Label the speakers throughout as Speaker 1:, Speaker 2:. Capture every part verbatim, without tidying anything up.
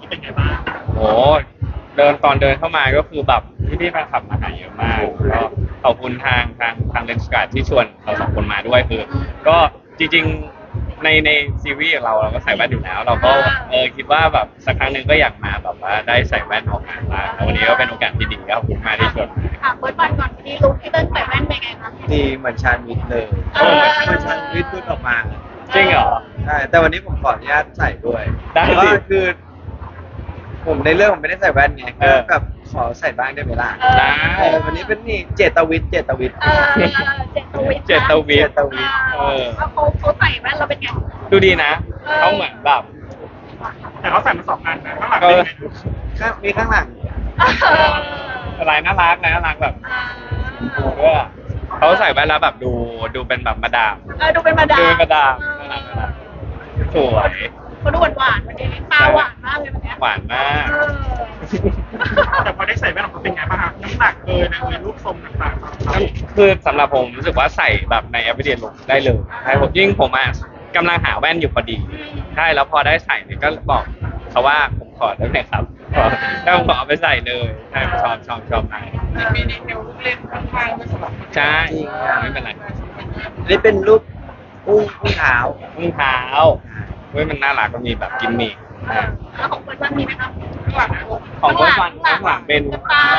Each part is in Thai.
Speaker 1: เป็นไงบ้าง
Speaker 2: โอ้เดินตอนเดินเข้ามาก็คือแบบพี่พี่ๆแฟนคลับมาหาเยอะมากก็ขอบคุณทางทางทางเลนส์การ์ดที่ชวนเราสองคนมาด้วยคือก็จริงๆในในซีรีส์ของเราเราก็ใส่แว่นอยู่แล้ว เราก็เออคิดว่าแบบสักครั้งหนึ่งก็อยากมาแบบว่าได้ใส่แว่นออกงานบ้างแล้ววันนี้ก็เป็นโอกาสที่ดีครับขอบคุณมากที่ชวน
Speaker 3: ถามเบิร์ดวันก่อนที่ลุคที่เต้นใส่แว่นเป็นไงคะ
Speaker 4: ดีเหมือนชาญวิทย์เลย
Speaker 3: เออ
Speaker 4: เหมือนชาญวิทย์พูดออกมา
Speaker 2: จริงเหรอ
Speaker 4: ใช่แต่วันนี้ผมขออนุญาตใส่ด้วย
Speaker 2: ได้สิ
Speaker 4: เพราะว่าคือ ผมในเรื่องผมไม่ได้ใส่แว่นไง
Speaker 2: เอ
Speaker 4: ก็
Speaker 2: อ
Speaker 4: แบบขอใส่บ้างได้ไหมล่ะ
Speaker 3: เออ
Speaker 2: ได้
Speaker 4: เออวันนี้เป็นนี่เจตวิทย์เจตวิทย์
Speaker 3: เออเจตวิทย์นะ
Speaker 2: เจตวิทย์
Speaker 4: เจตวิทย์
Speaker 3: เออแล้วเขาเขาใส่แว่นเราเป็นไง
Speaker 2: ดูดีนะ
Speaker 3: เออ
Speaker 2: เขาเหมือนแบบ
Speaker 1: แต่เขาใส่มาสองอันนะข้างหลัง
Speaker 2: เอ
Speaker 1: เป็น
Speaker 2: อ
Speaker 1: ไง
Speaker 4: ข้างมีข้างหลัง
Speaker 3: เออ
Speaker 2: อะไรน่ารักอะไรน่ารักแบบ
Speaker 3: อ่า
Speaker 2: ดูด้วยอะเขาใส่แว่นแล้วแบบดูดูเป็นแบบมาดาม
Speaker 3: เออดูเป็นมาดาม
Speaker 2: ดูเป็นมาดามน่ารักน่ารักสวย
Speaker 3: เขาดูหวานหวานๆวันนี้ตาหวานมากเลยวันเนี้ย
Speaker 2: หวานมาก
Speaker 3: เออ
Speaker 1: แต่พอได้ใส่แว่นออกมาเป็นไงบ้างครับน้ำหนักเอยนะเอยรูปทรงต่างๆของเขา
Speaker 2: คือสำหรับผมรู้สึกว่าใส่แบบใน everyday look ได้เลยใช่ผมยิ่งผมอ่ะกำลังหาแว่นอยู่พอดี ใช่แล้วพอได้ใส่เนี่ยก็บอกเขาว่าผมขอได้ไหมครับขอแล้วผมขอเอาไปใส่เลยใช่ชอบชอบชอบมาก
Speaker 1: มีดีเทลลูกเล่นข้างๆด้วยสำหรับ
Speaker 2: ใช่
Speaker 4: จริงครับ
Speaker 2: ไม่เป็นไร
Speaker 4: อันนี้เป็นรูปอุ้งอุ้งเท้า
Speaker 2: รองเท้าเฮ้ยมันน่ารักก็มีแบบกิมมิค
Speaker 3: เออแล้วของเบิร์ดวันมีไหมครับ
Speaker 1: ข้างหลังนะ
Speaker 2: ของเพื่อนวันข้างหลังเป็น
Speaker 3: ตา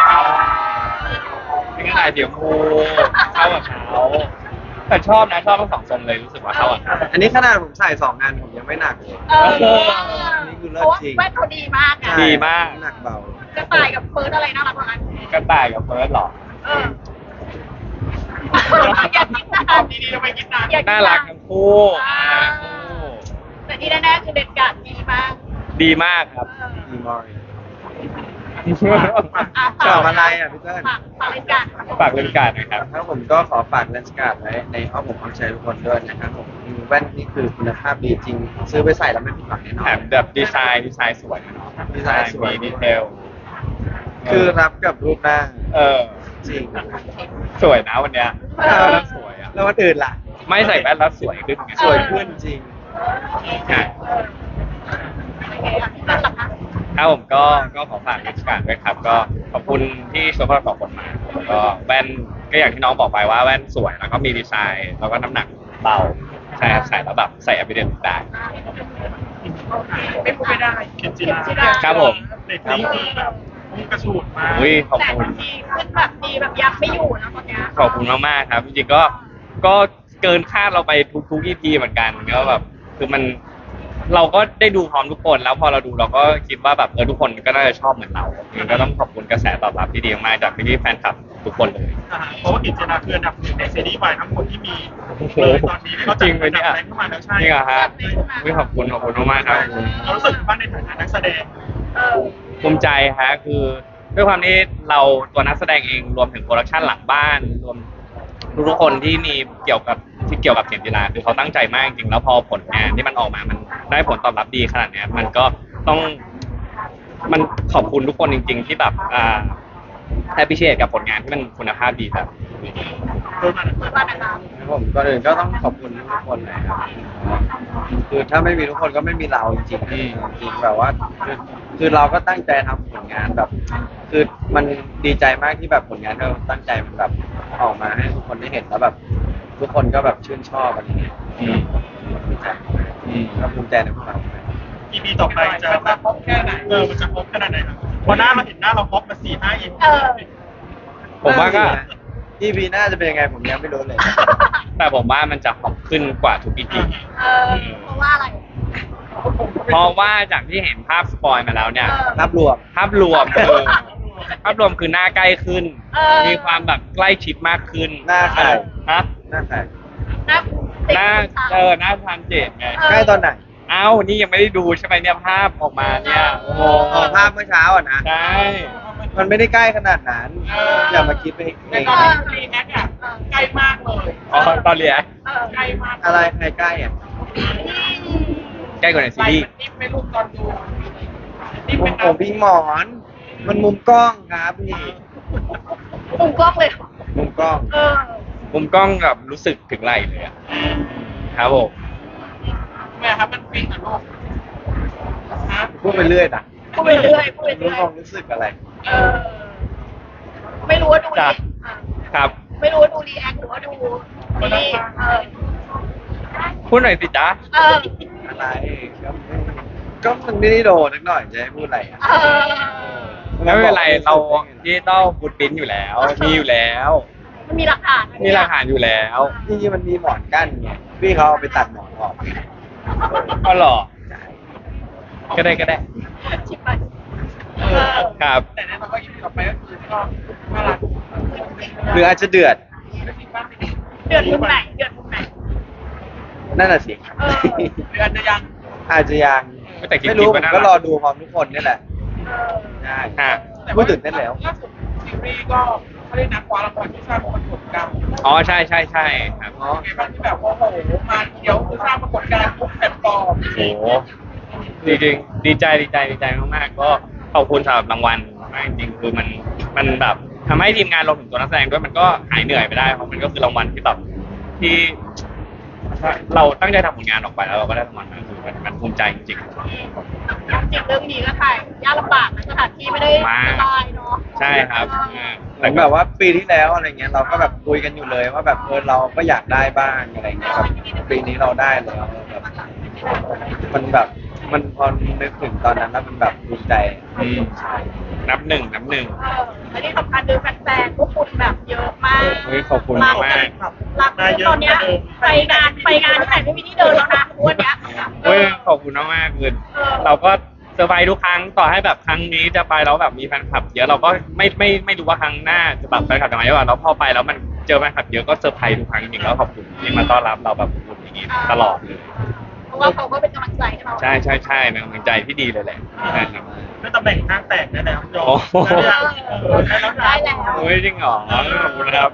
Speaker 2: เป็นกระต่ายเดี่ยวคูเข้ากับเขาแต่ชอบนะชอบทั้งสองทรงเลยรู้สึกว่าเข้ากับเขา
Speaker 4: อันนี้ขนาดผมใส่สองงานผมยังไม่หนักเลย
Speaker 3: เออ
Speaker 4: นี่คือ
Speaker 3: เพ
Speaker 4: เลิศ
Speaker 3: ราะว่า
Speaker 4: จริง
Speaker 3: แว่นเขาดีมากไง
Speaker 4: ใช่
Speaker 2: ดีมาก
Speaker 4: น้ำหนักเบา
Speaker 3: กระต่ายกับเฟิร์สอะไรน่ารักกว่ากัน
Speaker 2: กระต่ายกับเฟิร์สเหรอ
Speaker 3: เอออยากกินนาน
Speaker 1: ดีๆทำไมกินนาน
Speaker 3: อยากกิน
Speaker 2: น่ารักทั้งคู่
Speaker 3: อ่า
Speaker 2: น่ารักทั้งคู่
Speaker 3: แต่ที่แน่ๆคือเด็ดขาดดีมาก
Speaker 2: ดีมากครับ
Speaker 3: เออ
Speaker 4: ดีมอร์
Speaker 3: อ่ะ
Speaker 4: ชอบอะไรอ่ะพี่เติ้ล
Speaker 3: ฝากฝากรายการ
Speaker 2: ฝากเรื่องการนะครับ
Speaker 4: ครับผมก็ขอฝากเลนส์การ์ดไว้ในอ้อมอกอ้อมใจทุกคนด้วยนะครับผมแว่นนี่คือคุณภาพดีจริง ซื้อไปใส่แล้วไม่ผิดหวังแน่นอ
Speaker 2: แถ
Speaker 4: น
Speaker 2: มแบบดีไซน์ดีไซน์สวยเนาะ
Speaker 4: ดีไซน์สวย
Speaker 2: มีดีเทล
Speaker 4: คือรับกับรูปหน้า
Speaker 2: เออ
Speaker 4: จริง
Speaker 2: สวยนะวันเนี้ยแล้วสวยอ่ะ
Speaker 4: แล้ววันอื่นล่ะ
Speaker 2: ไม่ใส่แว่นแล้วสวยขึ้นไง
Speaker 4: สวยขึ้นจริง
Speaker 2: ใช่
Speaker 3: โอเคอ่ะพี่ตั้นล่ะคะ
Speaker 2: ครับผมก็ก็ขอฝากราชการด้วยครับ ก็ขอบคุณที่ชวนพวกเราสองคนมาแล้วก็แว่นก็อย่างที่น้องบอกไปว่าแว่นสวยแล้วก็มีดีไซน์แล้วก็น้ำหนักเบาใช่ครับใส่แล้วแบบใส่ evidence ได้
Speaker 1: ไม่พูดไม่ได้เขียนจีรา
Speaker 2: ครับผม
Speaker 1: เรตติ้งดีแบบพุ่งกระฉูดมาก
Speaker 2: อุ้ยขอบ
Speaker 3: แต่
Speaker 2: คุณ
Speaker 3: บางทีขึ้นแบบดีแบบยักไม่อยู่นะตอนเนี้ย
Speaker 2: ขอบคุณมากๆครับจริงๆก็ก็เกินคาดเราไปทุกๆ อี พี เหมือนกันก็แบบคือมันเราก็ได้ดูพร้อมทุกคนแล้วพอเราดูเราก็คิดว่าแบบเออทุกคนก็น่าจะชอบเหมือนเรามันก็ต้องขอบคุณกระแสตอบรับที่ดีมากจากพี่ๆแฟนคลับทุกคนเลย
Speaker 1: อ่าเพราะว่ากิจนาคืออันดับหนึ่งในซีรีส์วายทั้งหมดที่มีเลยตอนนี้เขา
Speaker 2: จริงไหมเนี่ย
Speaker 1: จัดอันดับแรงขึ้นมาแล้วใช่
Speaker 2: จริงเหรอฮะอุ๊ยขอบคุณขอบคุณมากๆครับ
Speaker 1: เรารู้สึกบ้างในฐานะนักแสดง
Speaker 3: เออ
Speaker 2: ภูมิใจฮะคือด้วยความที่เราตัวนักแสดงเองรวมถึงโปรดักชันหลังบ้านรวมทุกๆคนที่มีเกี่ยวกับที่เกี่ยวกับเขียนกีฬาคือเขาตั้งใจมากจริงๆแล้วพอผลงานที่มันออกมามันได้ผลตอบรับดีขนาดเนี้ยมันก็ต้องมันขอบคุณทุกคนจริง ๆ ที่แบบอ่าแอปพิเชตกับผลงานที่มันคุณภาพดีแบบ
Speaker 1: โดยมัน
Speaker 3: เบิร์ดวันนะครับ
Speaker 4: ครับผมก่อนอื่นก็ต้องขอบคุณทุกคนเลยครับคือถ้าไม่มีทุกคนก็ไม่มีเราจริงๆ
Speaker 2: อืม
Speaker 4: จริงๆแบบว่าคือคือเราก็ตั้งใจทำผลงานแบบ คือมันดีใจมากที่แบบผลงานที่เราตั้งใจมันแบบออกมาให้ทุกคนได้เห็นแล้วแบบ ทุกคนก็แบบชื่นชอบอะไรเงี้ย
Speaker 2: อืม
Speaker 4: ดีใจ
Speaker 2: อืม
Speaker 4: ก็ภูมิใจในพวกเราด้วย
Speaker 1: อีพีต่อไปจะแบบพบแค่ไหนเออมันจะพบขนาดไหนครับพอหน้าเราเห็นหน้าเราพบมาสี่ห้าอีพี
Speaker 3: เออ
Speaker 2: ผมว่าก็
Speaker 4: อีพีหน้าจะเป็นยังไงผมยังไม่รู้เลย
Speaker 2: แต่ผมว่ามันจะหอมขึ้นกว่าทุกอีพี
Speaker 3: เออเพราะว่าอะไร
Speaker 2: เพราะว่าจากที่เห็นภาพสปอยมาแล้วเนี่ย
Speaker 3: เออ
Speaker 4: ภาพรวม
Speaker 2: ภาพรวมคือภาพรวมคือหน้าใกล้ขึ้น
Speaker 3: เออ
Speaker 2: มีความแบบใกล้ชิดมากขึ้น
Speaker 4: หน้าใคร
Speaker 2: ฮะ
Speaker 4: หน้าใคร
Speaker 3: หน้า
Speaker 2: หน้าเออหน้าทานเจดไง
Speaker 4: ใกล้ตอนไหน
Speaker 2: เอ้านี่ยังไม่ได้ดูใช่ไหมเนี่ยภาพออกมาเนี่ยโอ้โห
Speaker 4: อ๋อภาพเมื่อเช้าอ่ะนะ
Speaker 2: ใช่
Speaker 4: มันไม่ได้ใกล้ขนาดนั้น อย่ามาคิดไปเอง
Speaker 1: ในตอนรีแอคอะใกล้มากเลย
Speaker 2: อ๋อตอนเรียน
Speaker 3: เออ
Speaker 1: ใกล้มาก
Speaker 4: อะไรใครใกล้อ่ะ
Speaker 2: ใกล้กว่าในซีรีส์
Speaker 1: นิ่มไม่รู้ตอนดูนิ่ม
Speaker 4: มุ
Speaker 1: เป็
Speaker 4: ม
Speaker 1: น
Speaker 4: ผมพี่หมอน มันมุมกล้องครับพี่
Speaker 3: มุมกล้องเลยเหรอ
Speaker 4: มุมกล้อง
Speaker 3: เออ
Speaker 2: มุมกล้องแบบรู้สึกถึงไหลเลยอะครับผม
Speaker 1: แม่ครับมันฟินกับลูก
Speaker 4: ฟพูดไปเรื่อยนะ
Speaker 3: พูดไปเรื่อยพูดไป
Speaker 4: รู้
Speaker 3: เรื่อย
Speaker 4: ความรู้สึกอะไร
Speaker 3: เออไม่รู้ว่าดู
Speaker 2: จ้ะ
Speaker 3: รีอ่ะ
Speaker 2: ครับ
Speaker 3: ไม่รู้ว่าดูรีแอคหรือว่าดูนี่เออ
Speaker 2: พูดหน่อยสิจ๊ะ
Speaker 3: เออ
Speaker 4: อะไรก็ไม่ก็มันไม่ได้โดนนิดหน่อยจะให้พูดอะไรอ่ะ
Speaker 3: เออ
Speaker 2: ไม่เป็นไรเราดิจิตอลฟุตปรินท์อยู่แล้ว มีอยู่แล้ว
Speaker 3: มันมีหลักฐานนะ
Speaker 2: มีหลักฐานอยู่แล้ว
Speaker 4: จริงๆมันมีหมอนกั้นไงพี่เขาเอาไปตัดหมอนออก
Speaker 2: ก็หรอก็ได้ก็ได้
Speaker 3: ชิบไป
Speaker 1: เอ
Speaker 3: เอ
Speaker 1: อ
Speaker 3: อ
Speaker 2: ครับ
Speaker 1: แต่แน่นอนว่าอีพีต่อไปก็คือก็น่ารัก
Speaker 4: หรืออาจจะเดือด
Speaker 3: เดือดมุมไหนเดือดมุมไหน
Speaker 4: นั่นน่ะสิ
Speaker 3: เออ
Speaker 1: หรืออาจจะยัง
Speaker 4: อาจจะยัง
Speaker 2: แต่คิด
Speaker 4: ไม่รู้
Speaker 2: คิด
Speaker 4: ผ
Speaker 2: ว่าม น่ารัก
Speaker 4: ก็รอดูพร้อมทุกคนนี่แหละ
Speaker 3: เออ
Speaker 4: ใช่
Speaker 2: ฮะ
Speaker 4: พูดตื่นเต้นแล้ว
Speaker 1: ล่าสุดซีรีส์ก็เขาได้นักคว้ารางวัลที่สร้างปรากฏการณ์
Speaker 2: อ๋อใช่ใช่ใช่ครับ
Speaker 1: อ๋อไงบ้างที่แบบว่าโอ้โหมาเขียวคือสร้างปรากฏการณ์ทุกแพลตฟอร์ม
Speaker 2: โอ้โหจริงๆดีใจดีใจดีใจมากๆก็ขอบคุณสำหรับรางวัลมากจริงๆคือมันมันแบบทำให้ทีมงานรวมถึงตัวนักแสดงด้วยมันก็หายเหนื่อยไปได้เพราะมันก็คือรางวัลที่แบบที่ เราตั้งใจทำผลงานออกไปแล้วเราก็ได้รางวัลมาคือมันมันภูมิใจจริง
Speaker 3: จริงเรื่องนี้ก็ถ่ายยากลำบากนะสถานที่ไม่ได้สบายเนาะ
Speaker 2: ๆใช่ครับอ่า
Speaker 4: เหมือนแบบว่าปีที่แล้วอะไรเงี้ยเราก็แบบคุยกันอยู่เลยว่าแบบเออเราก็อยากได้บ้างอะไรเงี้ยแบบปีนี้เราได้แล้วแบบมันแบบมันพอนึกถึงตอนนั้นแล้วมันแบบภูมิใจ
Speaker 2: อืมนับหนึ่งนับหนึ่ง
Speaker 3: เออและที่สำคัญคือแฟนๆพวกคุณแบบเยอะมาก
Speaker 2: เฮ้ยขอบคุณมาก
Speaker 3: หลักตอนเนี้ยไปงานไปงานที่ไหนไม่มีที่เดินแล้วนะวันเนี้ย
Speaker 2: เฮ้ยขอบคุณมากๆคือเราก็เซอร์ไพรส์ทุกครั้งต่อให้แบบครั้งนี้จะไปแล้วแบบมีแฟนคลับเยอะเราก็ไม่ไม่ไม่รู้ว่าครั้งหน้าจะแบบแฟนคลับจะมาเยอะกว่าแล้วพอไปแล้วมันเจอแฟนคลับเยอะก็เซอร์ไพรส์ทุกครั้งจริงๆแล้วขอบคุณที่มาต้อนรับเราแบบอย่างนี้ตลอดเลย
Speaker 3: เพราะว่าเขาก็เป็นกำลังใจให้เรา
Speaker 2: ใช่ใช่ใช่เป็นกำลังใจที่ดีเลยแหละใช่ครับ
Speaker 1: ด้วยตำแหน่งข้างแตกได้แล้วยอ
Speaker 2: โอ้
Speaker 1: ม
Speaker 2: โห
Speaker 3: ได้แล้ว
Speaker 2: เฮ้ยจริงเหรอขอบคุณนะครับ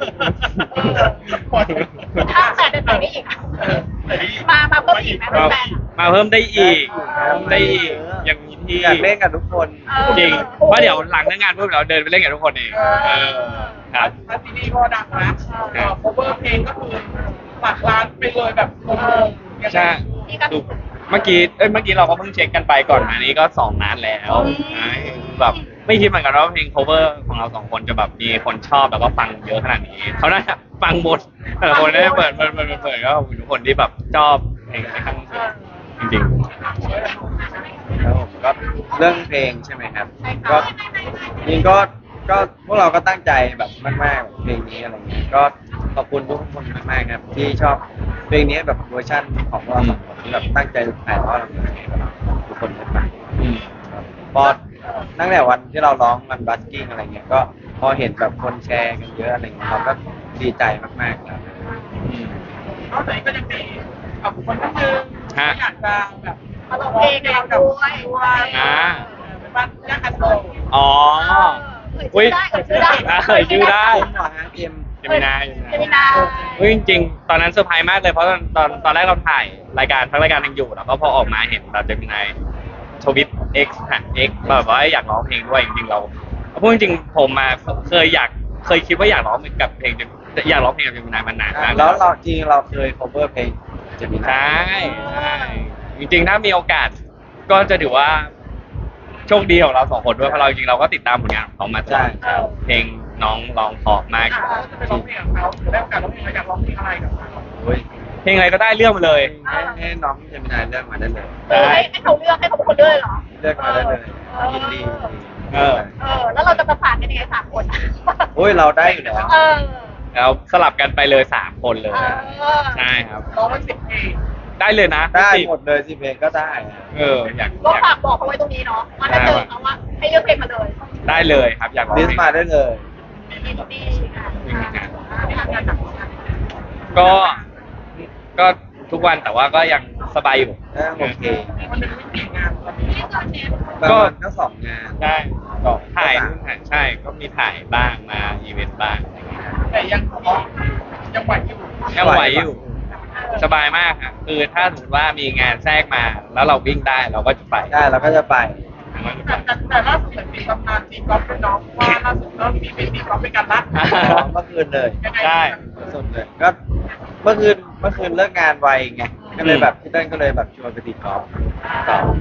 Speaker 3: ถ้าแต่เดินไปได้อีก มามาเพิ่มอีกไหม
Speaker 2: ก็
Speaker 3: แฟน
Speaker 2: มาเพิ่มได้อีกเพิ่มได้อีกยังมีที่
Speaker 4: อยากเล่นกับทุกคน
Speaker 2: จริงเพราะเดี๋ยวหลังเลิกงานปุ๊บเราเดินไปเล่นกับทุกคนเองเออครับ
Speaker 1: ถ้าซีรีส์ก็ดังนะเอ่อ cover เพลงก็คือหลักล้านไปเลยแบบงงๆยังไง
Speaker 2: ใช่ดูเมื่อกี้เอ้ยเมื่อกี้เราก็เพิ่งเช็คกันไปก่อนอันนี้ก็สองล้านแล้วใช่แบบไม่คิดเหมือนกันว่าเพลง cover ของเราสองคนจะแบบมีคนชอบแล้วก็ฟังเยอะขนาดนี้เขาน่าจะฟังหมดแต่ละคนได้เปิดเปิดเปิดเปิดเปิดก็ขอบคุณทุกคนที่แบบชอบเพลงที่ข้างสุดจริง
Speaker 4: แล้วผมก็เรื่องเพลงใช่ไหมครับ ก็จริงก็ก็พวกเราก็ตั้งใจแบบมากๆแบบเพลงนี้อะไรเงี้ยก็ขอบคุณทุกคนมากๆครับที่ชอบเพลงนี้แบบเวอร์ชันของพวกเราสองคนที่แบบตั้งใจถ่ายทอดออกมาให้แบบทุกคนได้ฟัง
Speaker 2: ๆอืม
Speaker 4: ครับพอตั้งแต่วันที่เราร้องมันบัสกิ้งอะไรเงี้ยก็พอเห็นแบบคนแชร์กันเยอะอะไรเงี้ยเราก็ดีใจมากๆครับ
Speaker 2: อืม
Speaker 1: นอกจากนี้ก็ยังมีอ่ะบุคคลท่านหนึ่ง
Speaker 2: ฮะ
Speaker 1: ที่อยากจะแบบ
Speaker 3: มาลงเพลงกับเราด้วย
Speaker 2: อ่า
Speaker 1: เป็นบ้านย่าคันโซ
Speaker 2: อ๋อ
Speaker 3: เอ่ยชื่อได้เอ่ยชื่อได้
Speaker 2: เอ่ยชื่อได้
Speaker 4: เอ็มเหรอฮะเอ็ม
Speaker 2: เจมินาย
Speaker 3: เจมินา
Speaker 2: เฮ้ยจริงๆ ตอนนั้นเซอร์ไพรส์มากเลยเพราะตอนตอนตอนแรกเราถ่ายรายการทั้งรายการยังอยู่แล้วก็พอออกมาเห็นแบบเจมินายทวิต X ฮะ X แบบว่าอยากร้องเพลงด้วยจริงๆเราพูดจริงๆผมมาเคยอยากเคยคิดว่าอยากร้องกับเพลงอยากร้องเพลงกับเจมินายมานานมาก
Speaker 4: แล้วเราจริงเราเคย cover เพลงเจมินา
Speaker 2: ใช่ใช่จริงๆ ถ้ามีโอกาสก็จะถือว่าโชคดีของเราสองคนด้วยเพราะเราจริงๆเราก็ติดตามผลงานของเขามาตลอดเพลงน้องร้องเพราะมาก
Speaker 1: อ่ะเราจะไปร้องเพลงกับเขาหรือได้โอกาสร้องเพลงเราอยากร้องเพลงอะไรกับเขา
Speaker 4: โอ้ย
Speaker 2: เพลงอะไรก็ได้เลือกมาเลย
Speaker 4: ให้ให้น้องเจมินายเลือกมาได้เลย
Speaker 3: เออให้ให้เขาเลือกให้เขาเป็นคนเลือกเหรอ
Speaker 4: เลือกมาได้เลยยินดี
Speaker 2: เออ
Speaker 3: เออ แล้วเราจะประสานกันยังไงสามคน
Speaker 4: โอ้ยเราได้อยู่แล้ว
Speaker 3: เออ
Speaker 2: แล้วสลับกันไปเลยสามคนเลย
Speaker 3: เออ
Speaker 2: ใช่ครับ
Speaker 1: ร้องไว้สิบเพลง
Speaker 2: ได้เลยนะ
Speaker 4: ได้
Speaker 2: สิบ
Speaker 4: หมดเลยสิเพลงก็ได้
Speaker 2: เอออยาก
Speaker 3: ก็
Speaker 2: อยาก
Speaker 3: ฝากบอกเขาไว้ตรงนี้เนาะว่าถ้าเจอเขาว่าให้เลือกเพลงมาเลย
Speaker 2: ได้เลยครับ อยากร้อง
Speaker 4: ลิส
Speaker 2: เพล
Speaker 4: ต์
Speaker 2: ง
Speaker 4: มาได้เลย
Speaker 3: ดีดีค่ะทำงานหนัก
Speaker 2: ก็ ก็ทุกวันแต่ว่าก็ยังสบายอยู่
Speaker 4: ก็โอเค
Speaker 1: วันหนึ่งไม่กี่งานตอนนี้
Speaker 4: ประ
Speaker 2: ก็
Speaker 4: มาณก็สองงาน
Speaker 2: ได้
Speaker 4: สอง
Speaker 2: ถ่าย
Speaker 4: ก็สาม
Speaker 2: นู่นถ่ายใช่ ก็มีถ่ายบ้างมาอีเวนต์บ้างอะไรอย่างเงี้ย
Speaker 1: แต่ยังยังไหวอยู่
Speaker 2: ยังไหวอยู่ สบายมากครับคือถ้าสมมติว่ามีงานแทรกมา แล้วเราวิ่งได้เราก็จะไป
Speaker 4: ได้เราก็จะไป
Speaker 2: เราจะไป
Speaker 1: แต่แต่แต่ล่าสุดเหมือนมีตำนานตีกอล์ฟเป็นน้องว่าล่าสุดก็มีไปตีกอล์ฟด้วยกันละ
Speaker 2: อ่า
Speaker 4: อ๋อเมื่อคืนเลย
Speaker 1: ยังไง
Speaker 2: ได้
Speaker 4: สุดเลยก็เมื่อคืนเมื่อคืนเลิกงานไวไงก็เลยแบบพี่เต้นก็เลยแบบชวนไปตีกอล์ฟต่อ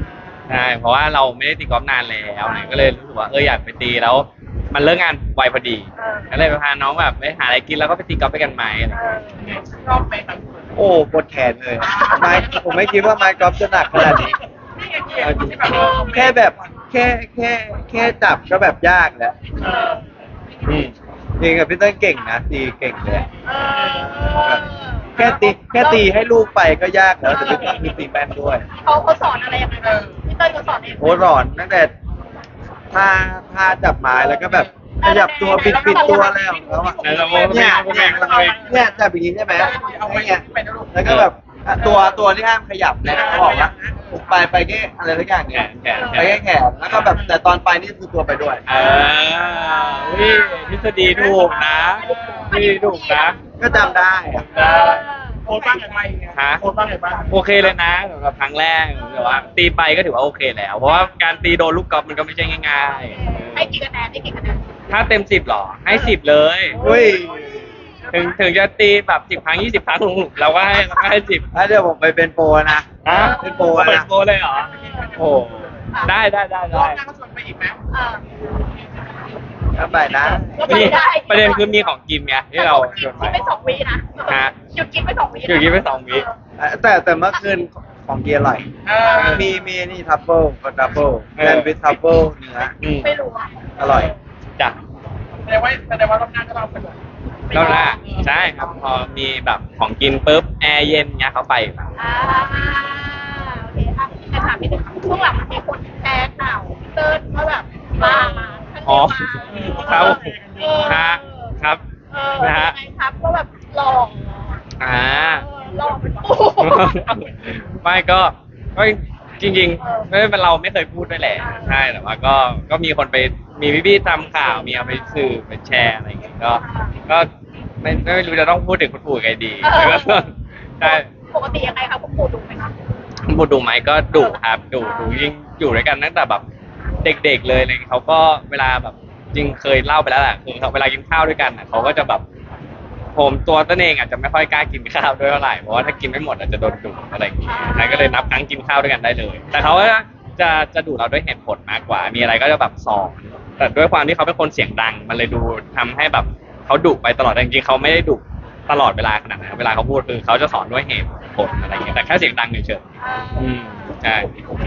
Speaker 2: ใช่เพราะว่าเราไม่ได้ตีกอล์ฟนานแล้วเนี่ยก็เลยรู้สึกว่าเอออยากไปตีแล้ว มันเลิกงานไวพอดีก็เลยไปพาน้องแบบไปหาอะไรกินแล้วก็ไปตีกอล์ฟไปกันไหมอะไรอย่างเงี้ย
Speaker 3: ชอบไหมครับ
Speaker 4: โอ้ปวดแขนเลยไม้ผมไม่คิดว่าไม้กอล์ฟจะหนักขนาดนี้
Speaker 3: นี่ไงเกียร์ที่แบบเออ
Speaker 4: แค่แบบแค่แค่แค่จับก็แบบยากแล้ว
Speaker 3: เออ
Speaker 4: อืมจริงกับพี่เต้นเก่งนะตีเก่งเลย
Speaker 3: เออ
Speaker 4: แค่ตีแค่ตีให้ลูกไปก็ยากแล้วแต่พี่เต้นมีตีแม่นด้วย
Speaker 3: เขาเขาสอนอะไรยังไงบ้างพี่เต้ยเขาสอนเองไหม
Speaker 4: โอ้หลอนตั้งแต่ท่าท่าจับไม้แล้วก็แบบขยับตัวปิดปิดตัวอะไรของเขาอะ
Speaker 2: ไหนลองโม
Speaker 4: เนี่ย
Speaker 2: โมแบ่งโมแบ่ง
Speaker 4: เนี่ยจับอย่างนี้ใช่ไหมเนี่ยแล้วก็แบบอ่ะตัวตัวที่ห้ามขยับเนี่ยเขาบอกว่าไปไปแค่อะไรสักอย่าง
Speaker 2: แข
Speaker 4: เนี่ย
Speaker 2: นแขนแข
Speaker 4: ไป
Speaker 2: น
Speaker 4: แค่แขนแล้วก็แบบแต่ตอนไปนี่คือตัวไปด้วย
Speaker 2: อ่าวิทฤษฎีถูกนะทฤษฎีถูกนะ
Speaker 4: ก็จำได้อะ
Speaker 2: ได้
Speaker 1: โค้ชบ้างไงบ้าง
Speaker 2: ฮะ
Speaker 1: โค้ชบ้างไงบ้าง
Speaker 2: โอเคเลยนะสำหรับครั้งแรกแต่ว่า ตีไปก็ถือว่าโอเคแล้ว เพราะว่าการตีโดนลูกกอล์ฟมันก็ไม่ใช่ง่าย
Speaker 3: ให้กี่คะแนนให้กี่คะแนน
Speaker 2: ๆ ถ้าเต็มสิบหรอ ให้สิบเลย
Speaker 4: อุ้ย
Speaker 2: ถึงถึงจะตีแบบสิบครั้งยี่สิบครั้งเราก็ให้เราก็ให้สิบ
Speaker 4: แล้วเดี๋ยวผมไปเป็นโปรนะ
Speaker 2: อ่ะ
Speaker 4: เป็นโปร
Speaker 2: เป็น
Speaker 4: นะ
Speaker 2: โปรเลยเหรอ โอ้ได้ได้ได้
Speaker 1: รอ
Speaker 2: ได้
Speaker 1: บหน้าก็ชวนไปอีกไหม
Speaker 3: เออ
Speaker 4: ก็ไปนะ
Speaker 3: ก็ไป
Speaker 2: นี่
Speaker 3: ได้
Speaker 2: ประเด็นคือมีของกินไงที่เราชวนไป
Speaker 3: คิดไปสองวีนะ
Speaker 2: ฮะ
Speaker 3: หยุดกินไปสองวีนะ
Speaker 2: หยุดกินไปสองวิ
Speaker 4: แต่แต่เมื่อคืนของเกียร์อร่อย
Speaker 1: เออ
Speaker 4: มีมีนี่ทัฟเฟิลกับดับเบิลแซนด์วิชทัฟเฟิลเนื้อ
Speaker 2: อืม
Speaker 3: ไม่รู้อ่ะ
Speaker 4: อร่อย
Speaker 2: จ้ะ
Speaker 1: แสดงว่าแสดงว่ารอบหน้าก็ต้องไปเลย
Speaker 2: แล้วล่ะใช่ครับ พอมีแบบของกินปุ๊บแอร์เย็นเงี้ยเขาไปครับ
Speaker 3: อ่าโอเคค่ะแต่ถามนิดนึงช่วงหลังมันมีคนแชร์ข่าวพี่เติ้ลว่าแบบมาท่าน
Speaker 2: อ๋อ
Speaker 3: เรียก
Speaker 2: ครับ
Speaker 3: เออ
Speaker 2: ฮะครับ
Speaker 3: เออ
Speaker 2: นะฮะ
Speaker 3: ยังไงครับก็แบบหล่อ
Speaker 2: อ่า
Speaker 3: เออหล่อเป็นปู
Speaker 2: ไม่ก็ก็จริงๆไม่เป็นเราไม่เคยพูดด้วยแหละใช่แต่ว่าก็ก็มีคนไปมีพี่ๆทำข่าวมีเอาไปสื่อไปแชร์อะไรอย่างเงี้ยก็ก็ไม่ไม่รู้จะต้องพูดถึงคุณปู่ยังไงดีแล้วก็ใช่
Speaker 3: ปกติยังไงครับคุณปู่ดูไหมครับ
Speaker 2: คุณปู่ดูไหมก็ดุครับดุดุยิ่งอยู่ด้วยกันตั้งแต่แบบเด็กๆเลยอะไรเงี้ยเขาก็เวลาแบบจริงเคยเล่าไปแล้วแหละคือเขาเวลากินข้าวด้วยกันน่ะเขาก็จะแบบผมตัวตนเองอาจจะไม่ค่อยกล้ากินข้าวด้วยเท่าไหร่เพราะว่าถ้ากินไม่หมดอาจจะโดนดุอะไรอย่างเงี้ยใช่ก็เลยนับครั้งกินข้าวด้วยกันได้เลย แต่เขาก็จะจะดุเราด้วยเหตุผลมากกว่า มีอะไรก็จะแบบสอนแต่ด้วยความที่เขาเป็นคนเสียงดัง มันเลยดูทำให้แบบเขาดุไปตลอดแต่จริงๆเขาไม่ได้ดุตลอดเวลาขนาดนั้นเวลาเขาพูดคือเขาจะสอนด้วยเหตุผลอะไรอย่างเงี้ยแต่แค่เสียงดังเฉยๆอืมใช่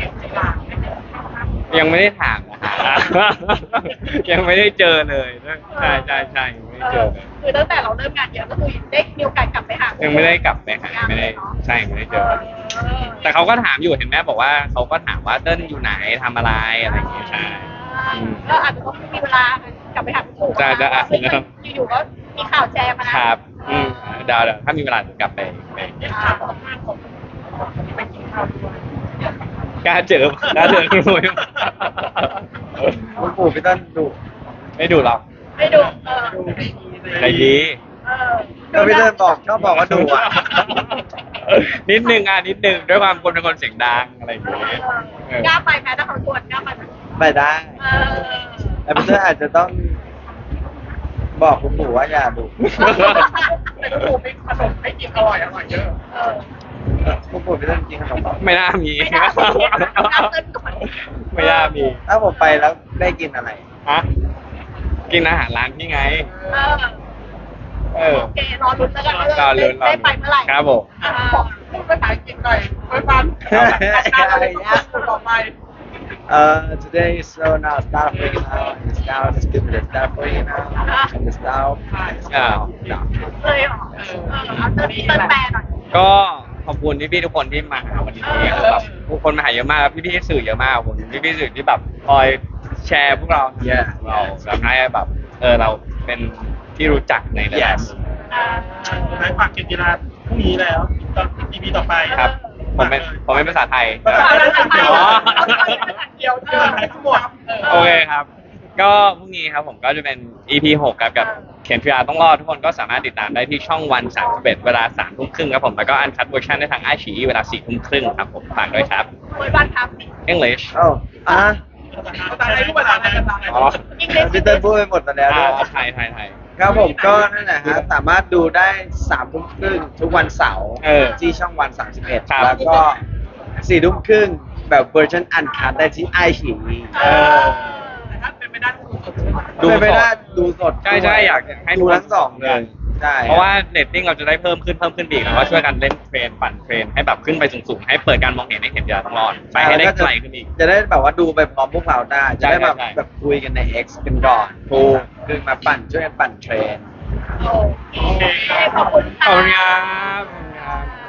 Speaker 2: ยังไม่ได้ถามนะฮะ ยังไม่ได้เจอเลยใช่ใช่ใช่ยังไม่ได้เจอเลย
Speaker 3: คือตั้งแต่เราเริ่มงานเยอะก็คือได้มีโอกาสกลับไปหา
Speaker 2: ยั
Speaker 3: ยัง
Speaker 2: ไม่ได้กลับไปหาไม่ได้ใช่ไม่ได้เจอ แต่เขาก็ถามอยู่เห็นแม่บอกว่าเขาก็ถามว่าเติ้ลอยู่ไหนทำอะไรอะไรอย่างเงี้ยใช่
Speaker 3: ก็อาจจะต้องมีเวลากลับไปหาคุณปู่
Speaker 2: จะจะอ่ะ
Speaker 3: ซึ่งมันอยู่ๆก็มีข่าวแชร์มานะครับ
Speaker 2: อืมเดาวเดี๋ยวถ้ามีเวลาจะกลับไปไป
Speaker 3: อ่า
Speaker 1: ไปกินข้าวด้วย
Speaker 2: กล้าเจอกล้าเจอคุณลุย
Speaker 4: คุณปู่พี่เต้นดุ
Speaker 2: ไม่ดูหรอก
Speaker 3: ไม่ดูเออ
Speaker 2: ใจดี
Speaker 3: เออ
Speaker 4: ก็พี่เต้นบอกชอบบอกว่าดุอ่ะ
Speaker 2: นิดนึงอ่ะนิดนึงด้วยความคนเป็นคนเสียงดังอะไรอย่างเงี้ยเออก
Speaker 3: ล้าไปไหมถ้าเขาชวนกล้าไปไหม
Speaker 4: ไปได้
Speaker 3: เออ
Speaker 4: แต่พี่เต้นอาจจะต้อง บอกคุณปู่ว่าอย่าดุ
Speaker 1: แต่ก็ถูกมีขนมให้กินอร่อยอร่อยเยอะ
Speaker 3: เออ
Speaker 4: คุณปู่พี่เต้นกินขนมเปล่า
Speaker 2: ไม่น่ามี
Speaker 3: ไม่น่ามีน่าเต้นก่อน
Speaker 2: ไม่น่ามี
Speaker 4: ถ้าผมไปแล้วได้กินอะไร
Speaker 2: ฮะกินอาหารร้านที่ไง
Speaker 3: เออ
Speaker 2: เออ
Speaker 3: โอเครอลุ้นแล้วกัน
Speaker 2: รอลุ้นรอ
Speaker 3: ได้
Speaker 2: ลุ้น
Speaker 3: ไปเมื่อไหร่
Speaker 2: ครับผม
Speaker 3: อ่า
Speaker 1: พูดภาษาอังกฤษหน่อยไว้ฟังต่อไป
Speaker 4: Uh, today is so now start for you now. It's now just give it a start for you now. And it's now. And it's now. now.
Speaker 3: เลยเหรอเออเอาเติร์นเติร์นแปลหน่อย
Speaker 2: ก็ขอบคุณพี่ๆทุกคนที่มาหาวันนี้คือแบบทุกคนมาหาเยอะมากพี่ๆสื่อเยอะมากขอบคุณพี่ๆสื่อที่แบบคอยแชร์พวกเรา
Speaker 4: Yeah.
Speaker 2: เราแบบให้แบบเออเราเป็นที่รู้จักในหลายๆ
Speaker 4: Yes.
Speaker 2: มุม
Speaker 1: สุดท้ายฝากเกมกีฬาพรุ่งนี้แล้วตอนอีพีต่อไป
Speaker 2: ครับ ผมเป็นผมเป็นภาษาไทย
Speaker 1: ภาษาไทย
Speaker 2: อ๋อ
Speaker 1: เดียวเจอทั้งหมด
Speaker 2: โอเคครับ ก็พรุ่งนี้ครับผมก็จะเป็น อี พี หกครับกับเขียนพีอาร์ต้องรอดทุกคนก็สามารถติดตามได้ที่ช่องวันสามสิบเอ็ดเวลาสามทุ่มครึ่งครับผมแล้วก็อันคัดเวอร์ชันได้ทางไอชีเวลาสี่ทุ่มครึ่งครับผมฝากด้วยครับ
Speaker 3: เปิดวันครับ
Speaker 2: English
Speaker 4: Oh. Ah.
Speaker 1: ภาษาไทยทุกภาษาไทยภาษาไทย
Speaker 2: อ๋อ
Speaker 4: พี่เต้นพูดไปหมดแล้ว
Speaker 2: อ่า
Speaker 4: ด้วย
Speaker 2: ไทยไทยไทย
Speaker 4: ครับผมก็นั่นแหละฮะสามารถดูได้สามทุ่มครึ่งทุกวันเสาร์
Speaker 2: เออ
Speaker 4: ที่ช่องวันสามสิบเอ็ด
Speaker 2: ครับ
Speaker 4: แล้วก็สี่ทุ่มครึ่งทแบบเวอร์ชันอันคัดได้ที่ไอฉี
Speaker 3: เออ
Speaker 1: แต่ถ้าเป็นไม่ได้ก็คือ
Speaker 2: ดู
Speaker 4: ดูไป
Speaker 2: สด
Speaker 4: ได้ดูสด
Speaker 2: ใช่ใช่อยากให้
Speaker 4: ดูทั้งสองเลยใช่
Speaker 2: เพราะว่าเรตติ้งเราจะได้เพิ่มขึ้นเพิ่มขึ้นอีกแล้วก็ช่วยกันเล่นเทรนปั่นเทรนให้แบบขึ้นไปสูงๆให้เปิดการมองเห็นให้เห็นยาทั้งรอดไปให้ได้ไกลขึ้นอีก
Speaker 4: จะได้แบบว่าดูไปพร้อมพวกเราได้ จะได้แบบ
Speaker 2: ใช่ใช่
Speaker 4: แบบคุยกันใน X กันก่อนถูกคือมาปั่นช่วยกันปั่นเทรน
Speaker 3: โอเคขอบคุณ
Speaker 2: ข
Speaker 3: ค่ะ
Speaker 2: อบคุณครับ